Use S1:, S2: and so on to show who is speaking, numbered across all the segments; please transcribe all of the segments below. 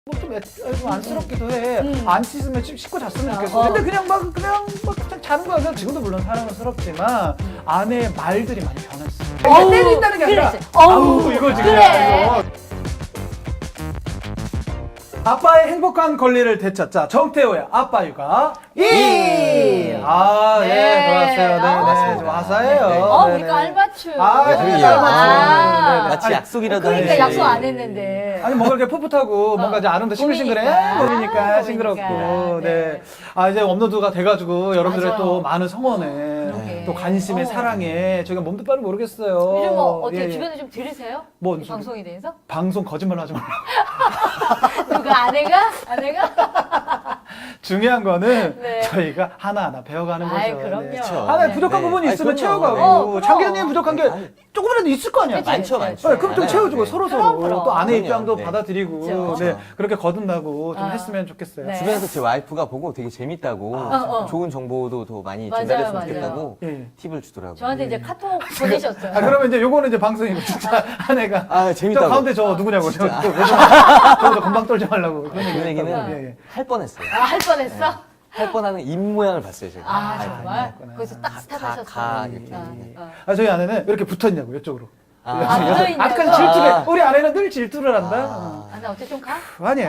S1: 좀 안쓰럽기도 해. 안 씻으면 씻고 잤으면 좋겠어. 근데 그냥 막 자는 거야. 그냥 지금도 물론 사랑스럽지만 아내의 말들이 많이 변했어. 때린다는 게 아니라 아우 이거 지금 이거. 아빠의 행복한 권리를 되찾자. 정태호의 아빠 육아 2. 아,
S2: 네.
S1: 예, 고맙습니다. 네, 네. 와사예요.
S2: 그러니까 알맞춤.
S1: 그러게요.
S2: 아,
S3: 마치 약속이라도
S2: 그러니까
S3: 해야지.
S2: 약속 안 했는데.
S1: 아니 뭔가 이렇게 풋풋하고 뭔가 이제 아름다 싱글싱글해 봄이니까 싱그럽고 네. 아 이제 업로드가 돼가지고 여러분들의
S2: 맞아요.
S1: 또 많은 성원에
S2: 그러게.
S1: 또 관심에 사랑에 저희가 몸도 빠르 모르겠어요.
S2: 요즘 뭐 어떻게
S1: 예, 예.
S2: 주변에 좀 들으세요?
S1: 뭔
S2: 이
S1: 소리?
S2: 방송에 대해서?
S1: 방송 거짓말 하지 말라.
S2: 누가 아내가?
S1: 중요한 거는
S2: 네.
S1: 저희가 하나하나 배워가는 거죠.
S2: 아이, 그럼요.
S3: 그쵸.
S1: 하나에
S2: 네.
S1: 부족한
S3: 네.
S1: 부분이
S3: 아니,
S1: 있으면
S3: 그럼요.
S1: 채워가고
S2: 그럼.
S1: 장기자님 부족한 게
S3: 아니,
S1: 조금이라도 있을 거 아니야.
S2: 그치.
S3: 많죠, 많죠.
S1: 네, 그럼 좀
S3: 네.
S1: 채워주고
S3: 네.
S1: 서로
S2: 그럼.
S1: 또 아내
S3: 그럼요.
S1: 입장도
S3: 네.
S1: 받아들이고
S2: 그쵸.
S1: 네, 그렇게 거듭나고 좀
S2: 아.
S1: 했으면 좋겠어요.
S2: 네.
S3: 주변에서 제 와이프가 보고 되게 재밌다고 좋은 정보도 더 많이
S2: 맞아요,
S3: 전달했으면
S2: 맞아요.
S3: 좋겠다고
S1: 예.
S3: 팁을 주더라고요.
S2: 저한테 이제 카톡 보내셨어요.
S1: 아 그러면 이제 요거는 이제 방송이고 진짜 아내가
S3: 아, 재밌다고.
S1: 저 가운데 저 누구냐고 저도 금방 떨지 말라고
S3: 그 얘기는
S1: 예, 예.
S3: 할 뻔했어요.
S2: 할 뻔했어?
S3: 할 뻔하는 입 모양을 봤어요, 제가.
S2: 아,
S3: 와이프가.
S2: 정말?
S1: 그랬구나.
S2: 거기서 딱
S3: 가,
S2: 스탑하셨어.
S3: 이렇게. 네.
S1: 아 저희 아내는 왜 이렇게 붙어있냐고 이쪽으로
S2: 붙어있냐고?
S1: 아까는 질투를 우리 아내는 늘 질투를 한다
S2: 아, 나 어째 좀 가?
S1: 아니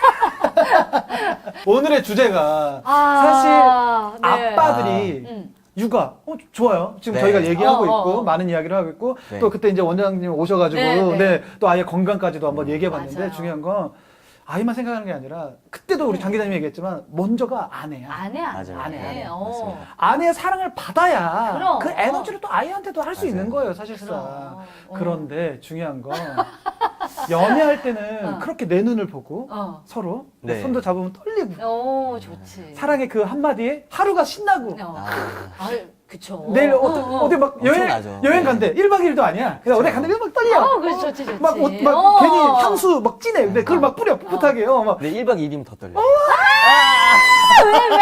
S1: 오늘의 주제가
S2: 아,
S1: 사실
S2: 네.
S1: 아빠들이
S2: 음.
S1: 육아 좋아요. 지금
S3: 네.
S1: 저희가 얘기하고
S2: 어,
S1: 있고
S2: 어.
S1: 많은 이야기를 하고 있고
S3: 네.
S1: 또 그때 이제 원장님 오셔가지고
S2: 네, 네.
S1: 네, 또 아예 건강까지도 한번 얘기해봤는데
S2: 맞아요.
S1: 중요한 건 아이만 생각하는 게 아니라 그때도 우리 장 기자님이 얘기했지만 먼저가 아내야.
S2: 아내.
S3: 맞아요.
S1: 아내.
S3: 맞습니다.
S1: 아내의 사랑을 받아야
S2: 그럼.
S1: 그 에너지를 또 아이한테도 할 수
S3: 맞아요.
S1: 있는 거예요 사실상.
S2: 그럼.
S1: 그런데 중요한 건 연애할 때는 그렇게 내 눈을 보고 서로
S3: 네.
S1: 손도 잡으면 떨리고
S2: 오, 좋지.
S1: 사랑의 그 한마디에 하루가 신나고
S2: 그쵸.
S1: 내일 어디 막
S3: 엄청나죠.
S1: 여행
S3: 네.
S1: 간대 1박 2일도 아니야. 그냥 어디 간대 막 떨려.
S2: 그렇지, 좋지, 좋지.
S1: 막 괜히 향수 막 진해. 근데 그걸 막 뿌려 풋풋하게요. 막
S3: 근데 1박 2일이면 더 떨려.
S2: 왜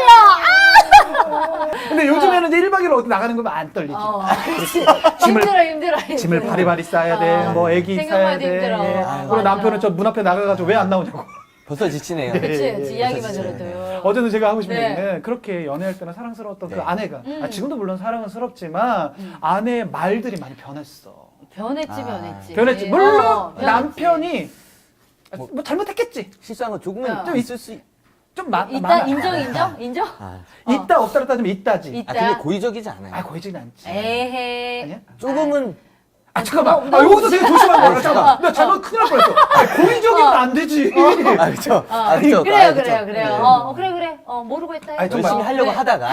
S2: 떨려?
S1: 근데 요즘에는 이제 1박 2일 어디 나가는 거면 안 떨리지.
S2: 그렇지.
S1: 짐을-
S2: 힘들어.
S1: 짐을 바리바리 싸야 돼. 뭐 애기
S2: 생각만
S1: 싸야 돼.
S2: 해도 힘들어.
S1: 예.
S2: 맞아.
S1: 그리고 남편은 저 문 앞에 나가가지고 왜 안 나오냐고.
S3: 벌써 지치네요.
S2: 그치,
S1: 예,
S2: 그치.
S1: 예,
S2: 이야기만
S3: 진짜.
S2: 들어도.
S1: 어제는 제가 하고 싶은
S2: 네.
S1: 얘기는 그렇게 연애할 때는 사랑스러웠던 그
S3: 네.
S1: 아내가 지금도 물론 사랑스럽지만 아내의 말들이 많이 변했어.
S2: 변했지.
S1: 변했지. 물론
S2: 변했지.
S1: 남편이 뭐 잘못했겠지.
S3: 실수한 거 조금은
S1: 좀
S3: 있을 수
S1: 좀
S2: 일단
S1: 많아.
S2: 인정?
S3: 아,
S1: 있다 없다로 따지면 있다지.
S2: 있다.
S3: 근데 고의적이지 않아요.
S1: 아 고이지는 않지.
S2: 에헤.
S1: 아니야?
S3: 조금은
S1: 아 잠깐만.
S2: 너무
S1: 여기서 되게 조심한 거야. 잠깐만. 나 잘못 큰일 날 뻔했어. 아, 고의적이면 안 되지.
S3: 아, 그쵸. 아, 그쵸.
S2: 그래요.
S3: 아, 그쵸.
S2: 그래.
S1: 네.
S2: 모르고 했다.
S1: 아니, 정말.
S3: 열심히 하려고
S2: 그래.
S3: 하다가.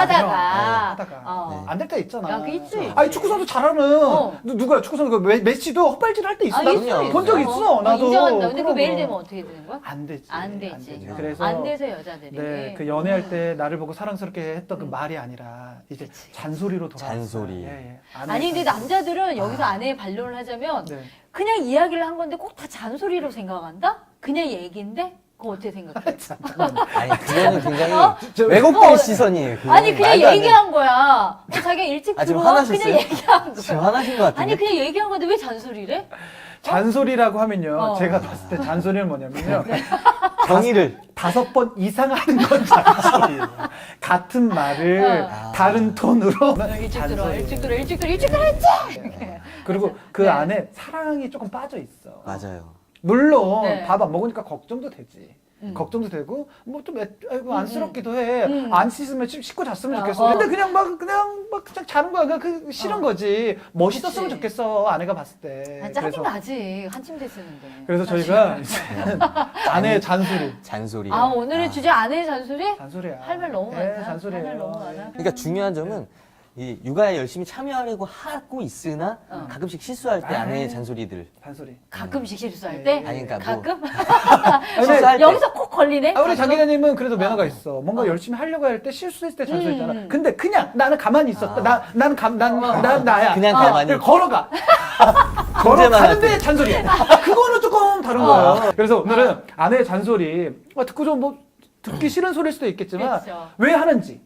S1: 하다가 안 될 때 있잖아.
S2: 그 있지.
S1: 아니 축구 선수 잘하는 누구야? 축구 선수 메시도 헛발질 할 때 있어. 나도
S3: 있어.
S1: 본 적 있어. 나도.
S2: 인정한다. 근데 그
S1: 그럼.
S2: 매일 되면 어떻게 되는 거야?
S1: 안 되지.
S2: 안 되지.
S1: 그래서
S2: 안 돼서 여자들이.
S1: 네, 그 연애할 때 나를 보고 사랑스럽게 했던 그 말이 아니라 이제 잔소리로 돌아왔어요.
S3: 잔소리.
S1: 예.
S2: 아니 근데 남자들은 여기서 아내의 반론을 하자면
S1: 네.
S2: 그냥 이야기를 한 건데 꼭 다 잔소리로 생각한다? 그냥 얘기인데? 그거 어떻게 생각해?
S3: 아니, 그거는 굉장히
S1: 저-
S3: 왜곡된 시선이에요. 그거는.
S2: 아니 그냥
S3: 말도 안
S2: 얘기한 거야. 자기가 일찍
S3: 아, 지금
S2: 들어와
S3: 화나셨어요?
S2: 그냥 얘기한
S3: 돼. 지금
S2: 거야.
S3: 화나신 것 같은데.
S2: 아니 그냥 얘기한 건데 왜 잔소리래?
S1: 잔소리라고 하면요.
S2: 어.
S1: 제가 봤을 때 잔소리는 뭐냐면요.
S3: 경의를.
S1: 5번 이상 하는 건 잔소리예요. 같은 말을 다른 톤으로
S2: 일찍 들어와,
S1: 잔소리예요.
S2: 일찍 들어와 했지?
S1: 그리고 그
S2: 네.
S1: 안에 사랑이 조금 빠져 있어.
S3: 맞아요.
S1: 물론
S2: 네.
S1: 밥 안 먹으니까 걱정도 되지. 걱정도 되고 뭐 좀 안쓰럽기도 해. 안 씻으면 씻고 잤으면 좋겠어. 근데 그냥 막 자는 거야. 그냥 그 싫은 거지. 멋있었으면
S2: 그치.
S1: 좋겠어. 아내가 봤을 때.
S2: 짜증 나지. 한 침대 쓰는데.
S1: 그래서 저희가 이제 아내의 잔소리.
S3: 잔소리.
S2: 아 오늘의 주제 아내의 잔소리?
S1: 잔소리야.
S2: 할 말 너무
S1: 예,
S2: 많다.
S1: 잔소리예요.
S2: 할 말 너무 많아.
S3: 그러니까 중요한 점은 이 육아에 열심히 참여하려고 하고 있으나 가끔씩 실수할 때 아내의 잔소리들.
S1: 잔소리.
S2: 가끔씩 실수할
S1: 네.
S2: 때?
S3: 아니, 그러니까 뭐-
S2: 가끔?
S3: 실수할 때.
S2: 여기서 꼭 걸리네?
S1: 우리 장 기자님은 그래도 면허가 있어. 뭔가 열심히 하려고 할 때 실수했을 때 잔소리잖아. 근데 그냥 나는 가만히 있었다. 난 나야.
S3: 그냥 가만히.
S1: 그냥 걸어가.
S3: 문제만 할
S1: 걸어가는데
S3: 때.
S1: 잔소리야. 그거는 조금 다른 거예요. 그래서 오늘은 아내의 잔소리 듣고 좀 뭐 듣기 싫은 소리일 수도 있겠지만
S2: 그렇죠.
S1: 왜 하는지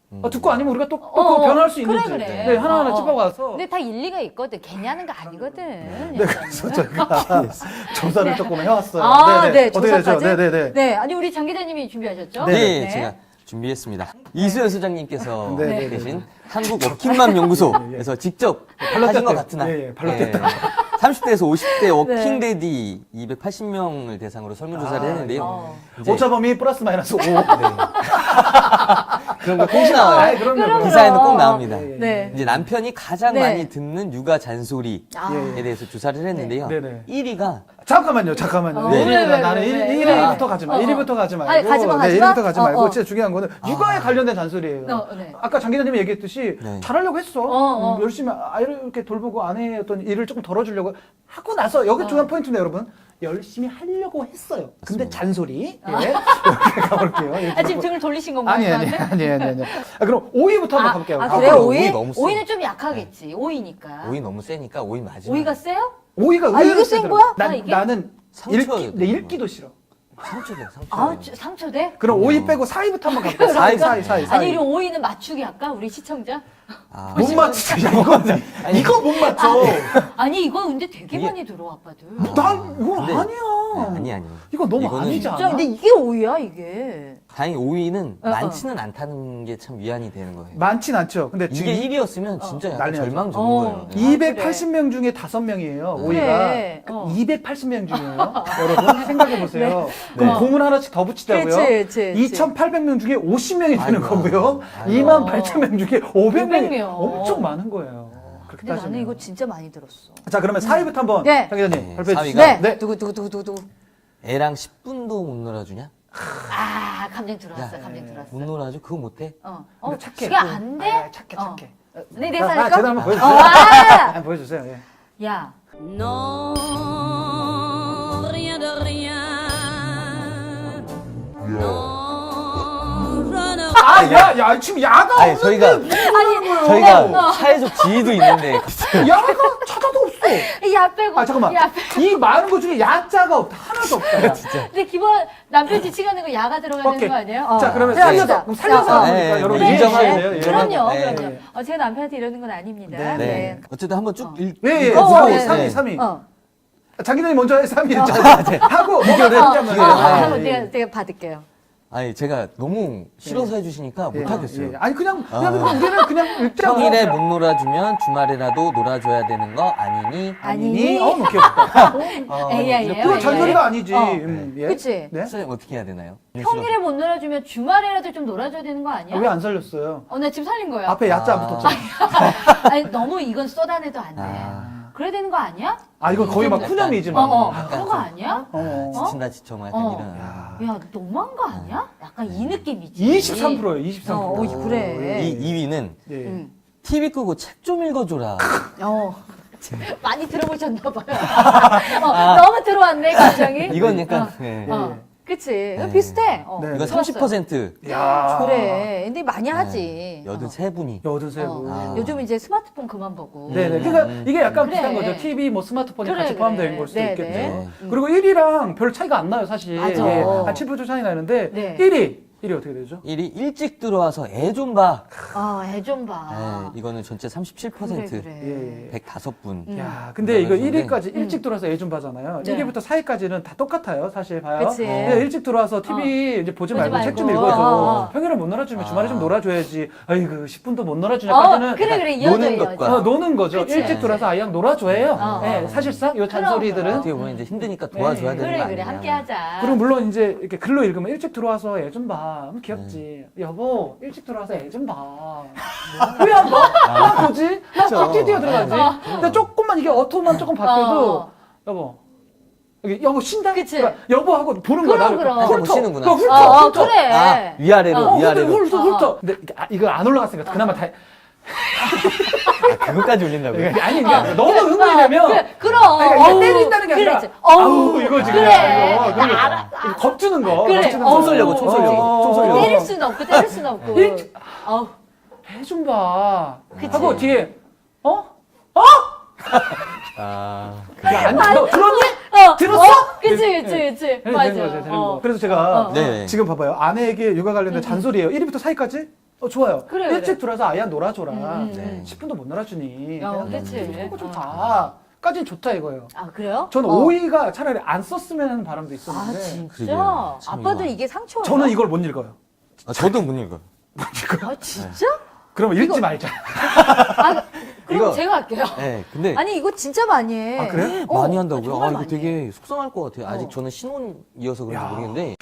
S1: 듣고 아니면 우리가 또 그거 변할 수 있는지
S2: 그래.
S1: 네, 하나하나 찝어가서
S2: 근데 다 일리가 있거든. 괜히 하는 거 아니거든.
S1: 네, 그래서 저희가 조사를 조금 해왔어요.
S2: 네,
S1: 어떻게 되죠?
S2: 조사까지?
S1: 네네네.
S2: 네, 아니 우리 장 기자님이 준비하셨죠?
S3: 네, 제가 준비했습니다. 이수연 소장님께서
S1: 네.
S3: 계신 한국 워킹맘 연구소에서 직접 하신 것 같은 한
S1: 예, 발로 뗐다.
S3: 30대에서 50대 워킹데디 280명을 대상으로 설문조사를 했는데요. 이제
S1: 오차범위 플러스 마이너스 5.
S3: 그런 거 꼭 나와요.
S1: 아이, 그럼요.
S3: 기사에는 꼭 나옵니다.
S2: 네.
S3: 이제 남편이 가장
S2: 네.
S3: 많이 듣는 육아 잔소리에
S2: 아.
S3: 대해서 조사를 했는데요.
S1: 네.
S3: 1위가
S1: 잠깐만요.
S2: 왜,
S1: 나는
S2: 왜?
S1: 1위부터 가지 마. 1위부터 가지 말고.
S2: 아니, 가지 마.
S1: 1위부터 가지 말고.
S2: 어.
S1: 진짜 중요한 거는 육아에 관련된 잔소리예요.
S2: 네.
S1: 아까 장 기자님이 얘기했듯이
S3: 네.
S1: 잘하려고 했어. 열심히 아이를 이렇게 돌보고 아내의 어떤 일을 조금 덜어주려고 하고 나서 여기 중요한 포인트인데 여러분. 열심히 하려고 했어요. 근데
S3: 맞습니다.
S1: 잔소리. 예. 이렇게 가볼게요.
S2: 아, 지금 등을 돌리신 건가요?
S1: 아니. 그럼 5위부터 한번 가볼게요.
S2: 그래요?
S3: 거꾸로
S2: 5위?
S3: 너무 세.
S2: 5위는 좀 약하겠지. 5위니까.
S3: 5위 너무 세니까 5위 마지막.
S2: 5위가 세요?
S1: 5위가
S2: 아,
S1: 의외로
S2: 이거 센
S1: 세더라고요.
S2: 거야?
S1: 난,
S2: 이게?
S1: 나는
S3: 상처가
S1: 읽기도 싫어.
S3: 상처돼, 상처.
S2: 아, 상처돼?
S1: 그럼 5위 빼고 4위부터 한번 가볼게요. 4위.
S2: 아니, 우리 5위는 맞추기 할까? 우리 시청자?
S3: 아,
S1: 못 맞추지. 이거 못 맞춰.
S2: 아니, 이거 근데 되게 많이 들어, 아빠들.
S1: 난 이거
S3: 근데-
S1: 아니야.
S3: 아니.
S1: 이거 너무
S3: 이거는
S1: 아니지
S2: 진짜,
S1: 않아?
S2: 근데 이게 5위야, 이게.
S3: 다행히 5위는
S2: 어.
S3: 많지는 않다는 게 참 위안이 되는 거예요.
S1: 많진 않죠. 근데 지금
S3: 이게 1위였으면 진짜 약간
S1: 난리 나죠.
S3: 절망 적은
S2: 어.
S3: 거예요.
S1: 280명 중에 5명이에요. 5위가.
S2: 그래.
S1: 280명 중이에요. 여러분 생각해 보세요. 그럼
S3: 네.
S1: 공을 하나씩 더 붙이자고요.
S2: 그치.
S1: 2,800명 중에 50명이 되는
S3: 아이고.
S1: 거고요.
S3: 아이고.
S1: 28,000명 중에 500명이
S2: 500명.
S1: 엄청 많은 거예요. 그렇게
S2: 근데 나는
S1: 따지면.
S2: 이거 진짜 많이 들었어.
S1: 자, 그러면 4위부터 한번
S2: 네.
S1: 장 기자님
S3: 네,
S1: 발표해
S3: 4위가
S1: 주시죠.
S2: 네. 누구.
S3: 애랑 10분도 못 놀아주냐?
S2: 아, 감정 들어왔어.
S3: 못 놀아줘? 그거 못해?
S1: 근데 착해.
S2: 지가 안 돼?
S1: 아, 착해.
S2: 네, 내가
S1: 제대로
S2: 할까?
S1: 한번 보여주세요.
S2: 아!
S1: 한번 보여주세요. 예.
S2: 야,
S4: Non, rien de rien. Non, je ne
S1: 야, 지금 야가
S3: 아니,
S1: 없는데
S3: 저희가 사회적 지위도 있는데.
S1: 야가 찾아도 없어.
S2: 야 빼고.
S1: 아, 잠깐만.
S2: 야 빼고.
S1: 이 많은 것 중에 야자가 없다. 하나도 없다. 야.
S2: 근데 기본 남편 지치가는 거 야가 들어가야 되는 거 아니에요?
S1: 자, 그러면
S2: 들어갑시다.
S1: 살려서
S2: 어,
S1: 하니까
S3: 네,
S1: 여러분
S3: 네,
S1: 인정하셔야
S3: 네.
S1: 돼요. 예.
S2: 그럼요.
S3: 네.
S2: 제가 남편한테 이러는 건 아닙니다.
S1: 네.
S3: 네. 어쨌든 한번 쭉
S1: 예.
S2: 어,
S1: 3위.
S2: 네.
S1: 장 기자님 먼저 해. 3위 했잖아요. 하고
S3: 비교를
S2: 한번
S1: 예.
S2: 제가 받을게요.
S3: 아니, 제가 너무 싫어서 해주시니까 못하겠어요.
S1: 아니 그냥 우리는 그냥 읽자고.
S3: 평일에 못 놀아주면 주말에라도 놀아줘야 되는 거 아니니?
S1: 아니니? 너무 귀엽다.
S2: AI예요.
S1: 그거 잔소리가 아니지. 예.
S2: 그치?
S1: 네?
S3: 선생님 어떻게 해야 되나요?
S2: 평일에 못 놀아주면 주말에라도 좀 놀아줘야 되는 거 아니야?
S1: 왜 안 살렸어요?
S2: 나 지금 살린 거야.
S1: 앞에 야자 안 붙었죠.
S2: 아니 너무 이건 쏟아내도 안 돼. 그래야 되는 거 아니야?
S1: 아 이거 거의 막 푸념이지만.
S2: 그런 거 아니야?
S3: 지친다 지쳐 뭐 약간 이런.
S2: 야, 너무한 거 아니야? 약간 이 느낌이지.
S1: 23%예요. 23%.
S2: 그래.
S3: 이 2위는
S1: 예.
S3: TV 끄고 책 좀 읽어줘라.
S2: 많이 들어보셨나 봐요. 너무 들어왔네, 감정이.
S3: 이건 약간 네.
S2: 그치. 이거 비슷해.
S1: 네.
S3: 이거 30%.
S1: 야.
S2: 그래. 근데 많이 하지.
S3: 83분이.
S1: 83분.
S2: 요즘 이제 스마트폰 그만 보고.
S1: 네네. 그러니까 이게 약간
S2: 그래.
S1: 비슷한 거죠. TV, 뭐 스마트폰이
S2: 그래,
S1: 같이
S2: 그래.
S1: 포함되는 걸 수도
S2: 네,
S1: 있겠죠.
S2: 네.
S1: 그리고 1위랑 별 차이가 안 나요, 사실.
S2: 맞아.
S1: 예, 한 7% 차이 나는데
S2: 네.
S1: 1위 어떻게 되죠?
S3: 1위 일찍 들어와서 애 좀 봐.
S2: 애 좀 봐.
S3: 네, 이거는 전체 37%.
S2: 그래.
S3: 105분.
S1: 야, 근데 이거
S3: 그러면은
S1: 1위까지 일찍 들어와서 애 좀 봐잖아요.
S2: 네.
S1: 1위부터 4위까지는 다 똑같아요, 사실 봐요.
S2: 그치.
S1: 근데 일찍 들어와서 TV 이제 보지 말고 책 좀
S2: 말고.
S1: 읽어줘. 평일에 못 놀아주면 주말에 좀 놀아줘야지. 아이고, 10분도 못 놀아주냐까지는
S2: 그래. 이어져,
S3: 노는
S2: 이어져.
S3: 것과
S1: 노는 거죠.
S2: 그치.
S1: 일찍 들어와서 아이랑 놀아줘요. 네, 사실상 이 잔소리들은.
S3: 어떻게 보면 이제 힘드니까 도와줘야
S1: 네.
S3: 되는 거
S2: 그래.
S3: 아니냐.
S2: 함께 하자.
S1: 그리고 물론 이제 이렇게 글로 읽으면 일찍 들어와서 애 좀 봐. 그럼 귀엽지. 여보, 일찍 들어와서 애 좀 봐. 왜 안 봐? 나 보지? 나 뛰어 들어가지. 근데 조금만 이게 어투만 조금 바뀌어도 여보. 여보 쉰다?
S2: 그치.
S1: 그러니까 여보 하고 보는 거야. 나를.
S2: 그럼.
S3: 못 쉬는구나.
S1: 훑어.
S2: 그래.
S3: 아, 위아래로, 위아래로.
S1: 훑어. 근데 이거 안 올라갔으니까 그나마 다.
S3: 그것까지 올린다고요?
S1: 아니, 그러니까 너무 흥분이 되면.
S2: 그럼.
S1: 그러니까 때린다는 게 아니라.
S2: 그래.
S1: 아우, 이거 지금.
S2: 그래.
S1: 이거. 그러니까. 이거 겁주는 거.
S2: 그래.
S1: 겁주는
S3: 총 쏘려고, 총 쏘려고. 총 쏘려고.
S2: 때릴 수는 없고 때릴 수는 없고. 어우.
S1: 해 좀 봐.
S2: 그치.
S1: 하고 뒤에
S3: 아,
S1: 야, 너 들었니? 들었어?
S2: 그치. 맞아.
S1: 되는 거. 그래서 제가
S3: 네.
S1: 지금 봐봐요. 아내에게 육아 관련된 잔소리예요. 1위부터 4위까지 좋아요.
S2: 그래,
S1: 일찍
S2: 그래.
S1: 들어와서 아이야 놀아줘라.
S3: 네.
S1: 10분도 못 놀아주니.
S2: 그치.
S1: 그거 좀 봐. 까진 좋다 이거예요.
S2: 아, 그래요?
S1: 저는 오이가 차라리 안 썼으면 하는 바람도
S2: 아,
S1: 있었는데
S2: 진짜?
S3: 그러게요. 참
S2: 아빠도
S3: 이거.
S2: 이게 상처예요?
S1: 저는 이걸 못 읽어요.
S3: 저도 못 읽어요.
S2: 아, 진짜?
S1: 그러면 읽지 말자.
S2: 아, 그럼
S3: 이거-
S2: 제가 할게요.
S3: 네, 근데
S2: 아니, 이거 진짜 많이 해.
S1: 아, 그래?
S3: 많이 한다고요?
S2: 정말
S3: 이거
S2: 많이
S3: 되게
S2: 해.
S3: 속상할 것 같아요. 아직 저는 신혼이어서 그런지
S1: 야.
S3: 모르겠는데